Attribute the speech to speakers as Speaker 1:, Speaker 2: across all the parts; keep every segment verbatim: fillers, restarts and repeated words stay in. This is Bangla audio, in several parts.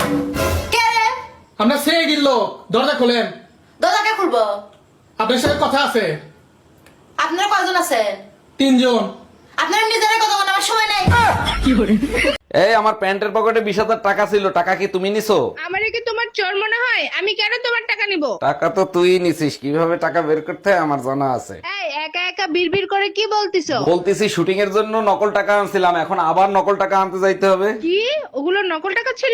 Speaker 1: কে রে?
Speaker 2: আমরা সেই গিল্লো দরজা খোলেন।
Speaker 1: দরজা কে খুলবো?
Speaker 2: আপনার সাথে কথা আছে।
Speaker 1: আপনারা কয়জন আছেন?
Speaker 2: তিনজন।
Speaker 1: আপনারা নিজেরা কথা বলার আমার সময় নাই।
Speaker 3: এই আমার প্যান্টের পকেটে বিশ হাজার টাকা ছিল, টাকা কি তুমি নিছো?
Speaker 4: আমারে কি তোমার চোর মনে হয়? আমি কেন তোমার টাকা নিব?
Speaker 3: টাকা তো তুই নিছিস, কিভাবে টাকা বের করতে হয় আমার জানা আছে।
Speaker 4: এই একা একা বিড়বিড় করে কি বলতিছো?
Speaker 3: বলতেছি শুটিং এর জন্য নকল টাকা আনছিলাম, এখন আবার নকল টাকা আনতে যাইতে হবে।
Speaker 4: কি ওগুলো নকল টাকা ছিল?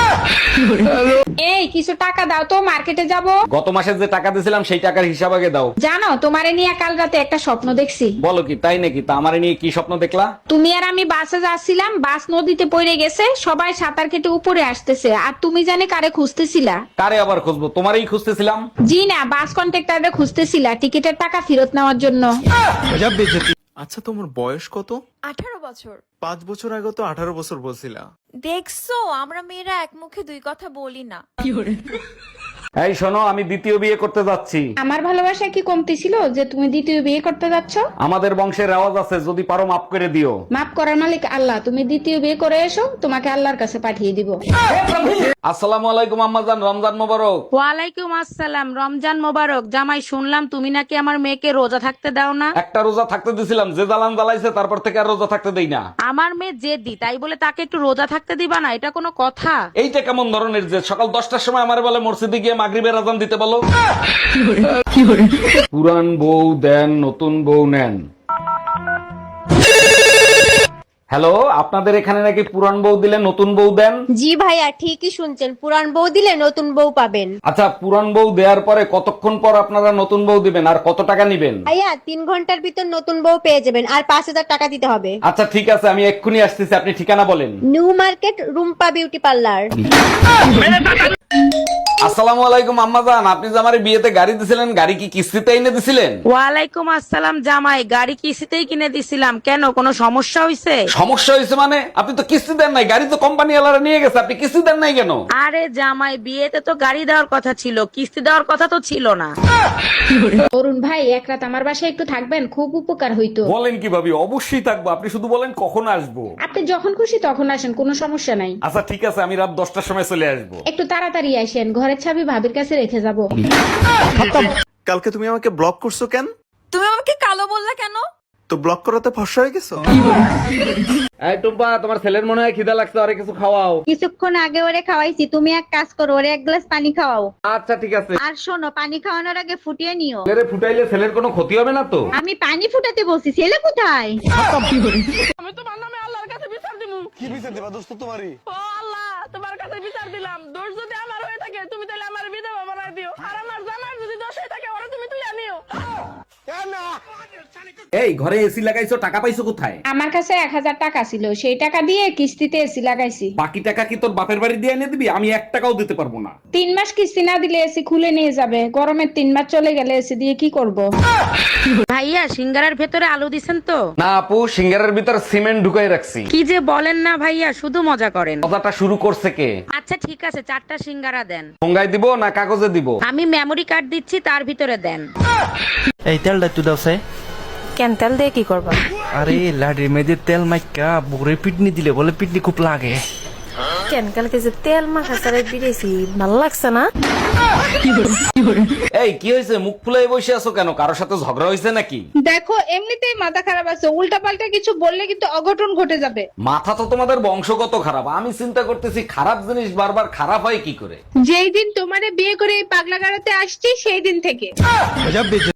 Speaker 5: এই কিছু টাকা দাও তো, মার্কেটে যাব।
Speaker 3: গত মাসে যে টাকা দিয়েছিলাম সেই টাকার হিসাব আগে দাও।
Speaker 5: জানো তোমারে নিয়ে কাল রাতে একটা স্বপ্ন দেখছি।
Speaker 3: বলো কি, তাই নাকি? তা আমারে নিয়ে কি স্বপ্ন দেখলা?
Speaker 5: তুমি আর আমি বাসে যাচ্ছিলাম, বাস নদীতে পড়ে গেছে, সবাই সাঁতার কেটে উপরে আসতেছে, আর তুমি জানি কারে খুঁজতেছিলা।
Speaker 3: কারে আবার খুঁজবো? তোমারই খুঁজতেছিলাম।
Speaker 5: জি না, বাস কন্ট্রাক্টরে খুঁজতেছিলা টিকিটের টাকা ফেরত নেওয়ার জন্য।
Speaker 6: আচ্ছা তোমার বয়স কত?
Speaker 7: আঠারো বছর।
Speaker 6: পাঁচ বছর আগে তো আঠারো বছর বলছিলা।
Speaker 7: দেখছো আমরা মেয়েরা এক মুখে দুই কথা বলি না।
Speaker 3: এই শোনো, আমি দ্বিতীয় বিয়ে করতে যাচ্ছি।
Speaker 5: আমার ভালোবাসা কি কমতি ছিল যে তুমি দ্বিতীয় বিয়ে করতে যাচ্ছ?
Speaker 3: আমাদের বংশের রেওয়াজ আছে, যদি পারো মাফ করে দিও।
Speaker 5: মাফ করার মালিক আল্লাহ, তুমি দ্বিতীয় বিয়ে করে এসো, তোমাকে আল্লাহর কাছে পাঠিয়ে দিব।
Speaker 3: আসসালামু আলাইকুম আম্মাজান, রমজান মোবারক।
Speaker 8: ওয়ালাইকুম আসসালাম, রমজান মোবারক। জামাই শুনলাম তুমি নাকি আমার মেয়েকে রোজা থাকতে দাও না।
Speaker 3: একটা রোজা থাকতে দিছিলাম, যে জ্বালান জ্বালাইছে তারপর থেকে আর রোজা থাকতে দেই না।
Speaker 8: আমার মেয়ে জেদি, তাই বলে তাকে একটু রোজা থাকতে দিবা না? এটা কোনো কথা?
Speaker 3: এইটা কেমন ধরনের যে সকাল দশটার সময় আমার বলে মসজিদে গিয়ে মাগরিবের আজান দিতে বলো। পুরান বউ দেন, নতুন বউ নেন। হ্যালো, আপনাদের এখানে নাকি পুরান বউ দিলে নতুন বউ দেন?
Speaker 9: জি ভাইয়া ঠিকই শুনছেন, পুরান বউ দিলে নতুন বউ পাবেন।
Speaker 3: আচ্ছা, পুরান বউ দেওয়ার পরে কতক্ষণ পর আপনারা নতুন বউ দিবেন আর কত টাকা নিবেন?
Speaker 9: ভাইয়া তিন ঘন্টার ভিতর নতুন বউ পেয়ে যাবেন, আর পাঁচ হাজার টাকা দিতে হবে।
Speaker 3: আচ্ছা ঠিক আছে, আমি এক্ষুনি আসতেছি, আপনি ঠিকানা বলেন।
Speaker 9: New market, Rumpa beauty parlour.
Speaker 3: আসসালামু আলাইকুম আম্মাজান, আপনি যে আমার বিয়েতে গাড়ি দিছিলেন, গাড়ি কি কিস্তিতে এনে দিছিলেন?
Speaker 8: ওয়ালাইকুম আসসালাম জামাই, গাড়ি কিস্তিতেই কিনে দিছিলাম। কেন, কোনো সমস্যা হয়েছে?
Speaker 3: সমস্যা হয়েছে মানে? আপনি তো কিস্তি দেন নাই, গাড়ি তো কোম্পানি ওয়ালারা নিয়ে গেছে, আপনি কিস্তি দেন নাই কেন?
Speaker 8: আরে জামাই, বিয়েতে তো গাড়ি দেওয়ার কথা ছিল, কিস্তি দেওয়ার কথা তো ছিল না।
Speaker 5: অরুণ ভাই, এক রাত আমার বাসায় একটু থাকবেন, খুব উপকার হইতো।
Speaker 3: বলেন কি ভাবি, অবশ্যই থাকবো, আপনি শুধু বলেন কখন আসবো।
Speaker 5: আপনি যখন খুশি তখন আসেন, কোনো সমস্যা নাই।
Speaker 3: আচ্ছা ঠিক আছে, আমি রাত দশটার সময় চলে আসবো।
Speaker 5: একটু তাড়াতাড়ি আসেন, ঘরের চাবি ভাবির কাছে রেখে যাব।
Speaker 6: কালকে তুমি আমাকে ব্লক করছো কেন?
Speaker 7: তুমি আমাকে কালো বললা কেন?
Speaker 6: তো ব্লক করাতে ফর্সা হয়ে গেছো?
Speaker 3: এই টুম্পা, তোমার ছেলের মনে হয় খিদা লাগছে, আরে কিছু খাওয়াও।
Speaker 9: কিছুক্ষণ আগে ওরে খাওয়াইছি, তুমি এক কাজ করো, ওরে এক গ্লাস পানি খাওয়াও।
Speaker 3: আচ্ছা ঠিক আছে।
Speaker 9: আর শোনো, পানি খাওয়ানোর আগে ফুটিয়ে নিও।
Speaker 3: ছেলেরে ফুটাইলে ছেলের কোনো ক্ষতি হবে না তো?
Speaker 9: আমি পানি ফুটাতে বলছি, ছেলে কোথায়?
Speaker 4: আমি তোমার নামে আল্লাহর কাছে বিচার দিমু।
Speaker 6: কি বিচার দিবা দোস্ত তোমারই?
Speaker 4: ও আল্লাহ, তোমার কাছে বিচার দিলাম। দোষ যদি আমার হয়ে থাকে তুমি তাহলে আমার বিধবা বানাই দিও, আর আমার জামার যদি দোষ হয়ে থাকে ওরা তুমি তুই আনিও।
Speaker 3: এই ঘরে এসি লাগাইছো, টাকা পাইছো কোথায়?
Speaker 5: আমার কাছে এক হাজার টাকা ছিল, সেই টাকা দিয়ে কিস্তিতে এসি লাগাইছি।
Speaker 3: বাকি টাকা কি তোর বাপের বাড়ি দিয়ে এনে দিবি? আমি এক টাকাও দিতে পারবো না।
Speaker 5: তিন মাস কিস্তি না দিলে এসি খুলে নিয়ে যাবে, গরমের তিন মাস চলে গেলে এসি দিয়ে কি করব?
Speaker 8: ভাইয়া, সিঙ্গারার ভেতরে আলু দিছেন তো?
Speaker 3: না আপু, সিঙ্গারের ভিতর সিমেন্ট ঢুকাই রাখছি।
Speaker 8: কি যে বলেন না ভাইয়া, শুধু মজা করেন।
Speaker 3: কথাটা শুরু করছে কে?
Speaker 8: আচ্ছা ঠিক আছে, চারটা সিঙ্গারা দেন।
Speaker 3: ঠোঙ্গায় দিব না কাগজে দিব?
Speaker 8: আমি মেমোরি কার্ড দিচ্ছি, তার ভিতরে দেন।
Speaker 10: এই তেলটা একটু দাও সে।
Speaker 7: কেন, তেল দিয়ে কি করবা?
Speaker 10: আরে লাডি মেয়েদের তেল মাইকা বুড়ে পিটনি দিলে বলে পিটনি খুব লাগে।
Speaker 7: কেন, কালকে যে তেল মাখা সারে বিড়েছি, ভালো লাগছে না?
Speaker 3: এই কি হয়েছে, মুখ ফুলাই বসে আছো কেন? কারোর সাথে ঝগড়া হয়েছে নাকি?
Speaker 4: দেখো, এমনিতেই মাথা খারাপ আছে, উল্টা পাল্টা কিছু বললে কিন্তু অঘটন ঘটে যাবে।
Speaker 3: মাথা তো তোমাদের বংশগত খারাপ, আমি চিন্তা করতেছি খারাপ জিনিস বারবার খারাপ হয় কি করে।
Speaker 4: যেই দিন তোমারে বিয়ে করে এই পাগলা গাড়াতে আসছি সেই দিন থেকে।